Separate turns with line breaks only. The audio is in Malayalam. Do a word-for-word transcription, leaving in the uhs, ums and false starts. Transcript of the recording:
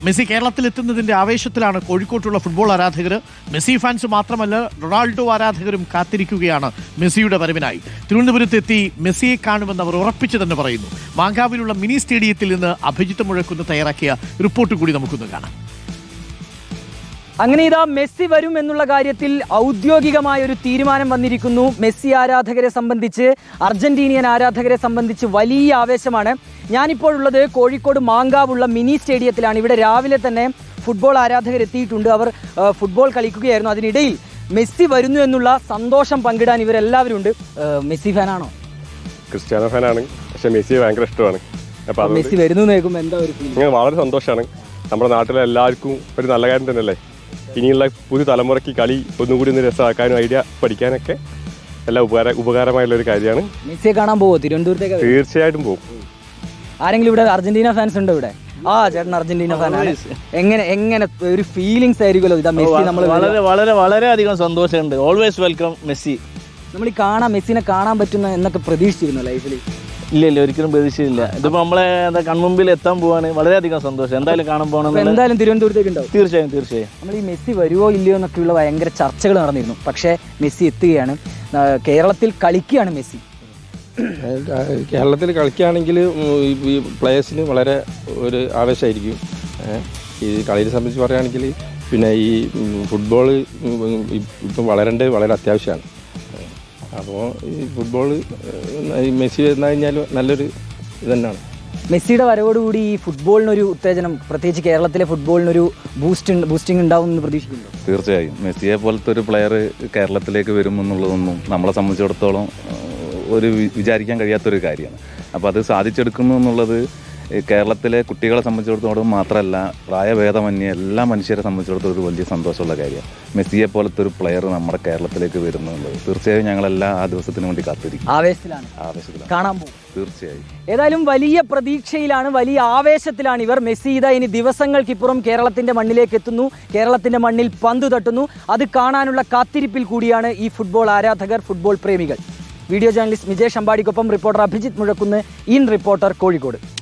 മെസ്സി കേരളത്തിലെത്തുന്നതിന്റെ ആവേശത്തിലാണ് കോഴിക്കോട്ടുള്ള ഫുട്ബോൾ ആരാധകർ. മെസ്സി ഫാൻസ് മാത്രമല്ല, റൊണാൾഡോ ആരാധകരും കാത്തിരിക്കുകയാണ് മെസ്സിയുടെ വരവിനായി. തിരുവനന്തപുരത്തെത്തി മെസ്സിയെ കാണുമെന്ന് അവർ ഉറപ്പിച്ചു തന്നെ പറയുന്നു. മാങ്കാവിലുള്ള മിനി സ്റ്റേഡിയത്തിൽ നിന്ന് അഭിജിത്ത് മുഴക്കുന്ന് തയ്യാറാക്കിയ റിപ്പോർട്ട് കൂടി നമുക്കൊന്ന് കാണാം.
അങ്ങനെ ഇതാ മെസ്സി വരും എന്നുള്ള കാര്യത്തിൽ ഔദ്യോഗികമായ ഒരു തീരുമാനം വന്നിരിക്കുന്നു. മെസ്സി ആരാധകരെ സംബന്ധിച്ച്, അർജന്റീനിയൻ ആരാധകരെ സംബന്ധിച്ച് വലിയ ആവേശമാണ്. ഞാനിപ്പോഴുള്ളത് കോഴിക്കോട് മാങ്കാവുള്ള മിനി സ്റ്റേഡിയത്തിലാണ്. ഇവിടെ രാവിലെ തന്നെ ഫുട്ബോൾ ആരാധകർ എത്തിയിട്ടുണ്ട്. അവർ ഫുട്ബോൾ കളിക്കുകയായിരുന്നു. അതിനിടയിൽ മെസ്സി വരുന്നു എന്നുള്ള സന്തോഷം പങ്കിടാൻ ഇവരെല്ലാവരും ഉണ്ട്. മെസ്സി ഫാനാണോ?
ക്രിസ്ത്യാനോ ഫാനാണ്, പക്ഷെ മെസ്സി ഭയങ്കര ഇഷ്ടമാണ്. അപ്പോൾ
മെസ്സി വരുന്നു കേൾക്കുമ്പോൾ എന്താ ഒരു ഫീൽ?
വളരെ സന്തോഷമാണ്. നമ്മുടെ നാട്ടിലെ എല്ലാവർക്കും ഒരു നല്ല കാര്യം തന്നെയല്ലേ. ഇനിയുള്ള പുതിയ തലമുറയ്ക്ക് കളി ഒന്നുകൂടി ഒന്ന് രസമാക്കാനും ഐഡിയ പഠിക്കാനൊക്കെ എല്ലാം ഉപകാര ഉപകാരമായുള്ള ഒരു കാര്യമാണ്.
മെസ്സിയെ കാണാൻ പോവോ തിരുവനന്തപുരത്തേക്ക്?
തീർച്ചയായിട്ടും പോകും.
ആരെങ്കിലും ഇവിടെ അർജന്റീന ഫാൻസ് ഉണ്ടോ ഇവിടെ? ആ ചേട്ടൻ അർജന്റീന ഫാനാണ്. എങ്ങനെ എങ്ങനെ ഒരു ഫീലിങ്സ് ആയിരിക്കുമല്ലോ ഇതാ മെസ്സി? നമ്മൾ
വളരെ വളരെ വളരെ അധികം സന്തോഷമുണ്ട്. Always welcome Messi.
നമ്മൾ ഈ കാണാൻ മെസ്സിനെ കാണാൻ പറ്റുന്ന എന്നൊക്കെ പ്രതീക്ഷിച്ചിരുന്നു ലൈഫിൽ?
ഇല്ല ഇല്ല ഒരിക്കലും പ്രതീക്ഷയില്ല. ഇതിപ്പോ നമ്മളെ എന്താ കൺമുമ്പിൽ എത്താൻ പോവാണ്. വളരെയധികം സന്തോഷം. എന്തായാലും കാണാൻ പോകണം.
എന്തായാലും തിരുവനന്തപുരത്തേക്ക് ഉണ്ടാവും.
തീർച്ചയായും തീർച്ചയായും.
നമ്മൾ ഈ മെസ്സി വരുമോ ഇല്ലയോ എന്നൊക്കെയുള്ള ഭയങ്കര ചർച്ചകൾ നടന്നിരുന്നു. പക്ഷേ മെസ്സി എത്തുകയാണ്. കേരളത്തിൽ കളിക്കുകയാണ് മെസ്സി.
കേരളത്തിൽ കളിക്കുകയാണെങ്കിൽ ഈ പ്ലേയേഴ്സിന് വളരെ ഒരു ആവേശമായിരിക്കും. ഈ കളിയെ സംബന്ധിച്ച് പറയുകയാണെങ്കിൽ പിന്നെ ഈ ഫുട്ബോൾ ഇപ്പം വളരേണ്ടത് വളരെ അത്യാവശ്യമാണ്. അപ്പോൾ ഈ ഫുട്ബോൾ മെസ്സി വന്നു കഴിഞ്ഞാൽ നല്ലൊരു ഇത് തന്നെയാണ്.
മെസ്സിയുടെ വരവോടുകൂടി ഈ ഫുട്ബോളിനൊരു ഉത്തേജനം, പ്രത്യേകിച്ച് കേരളത്തിലെ ഫുട്ബോളിനൊരു ബൂസ്റ്റ് ബൂസ്റ്റിംഗ് ഉണ്ടാവും എന്ന് പ്രതീക്ഷിക്കുന്നു.
തീർച്ചയായും മെസ്സിയെ പോലത്തെ ഒരു പ്ലെയർ കേരളത്തിലേക്ക് വരുമെന്നുള്ളതൊന്നും നമ്മളെ സംബന്ധിച്ചിടത്തോളം ഒരു വിചാരിക്കാൻ കഴിയാത്തൊരു കാര്യമാണ്. അപ്പോൾ അത് സാധിച്ചെടുക്കുന്നു എന്നുള്ളത് കേരളത്തിലെ കുട്ടികളെ സംബന്ധിച്ചിടത്തോളം മാത്രമല്ല, പ്രായഭേദമന്യേ എല്ലാ മനുഷ്യരെ സംബന്ധിച്ചിടത്തോളം ഒരു വലിയ സന്തോഷമുള്ള കാര്യമാണ്. മെസ്സിയെ പോലത്തെ ഒരു പ്ലെയർ നമ്മുടെ കേരളത്തിലേക്ക് വരുന്നുള്ളത് തീർച്ചയായും ഞങ്ങളെല്ലാം ആ ദിവസത്തിന് വേണ്ടി കാത്തിരിക്കും.
ആവേശത്തിലാണ്
ആവേശത്തിലാണ്
കാണാൻ പോകും.
തീർച്ചയായും.
ഏതായാലും വലിയ പ്രതീക്ഷയിലാണ്, വലിയ ആവേശത്തിലാണ് ഇവർ. മെസ്സി ഇതാ ഇനി ദിവസങ്ങൾക്കിപ്പുറം കേരളത്തിന്റെ മണ്ണിലേക്ക് എത്തുന്നു. കേരളത്തിന്റെ മണ്ണിൽ പന്ത് തട്ടുന്നു. അത് കാണാനുള്ള കാത്തിരിപ്പിൽ കൂടിയാണ് ഈ ഫുട്ബോൾ ആരാധകർ, ഫുട്ബോൾ പ്രേമികൾ. വീഡിയോ ജേർണലിസ്റ്റ് മിജേഷ് അമ്പാടിക്കൊപ്പം reporter Abhijith Muzhakkunnu, in reporter, Kozhikode.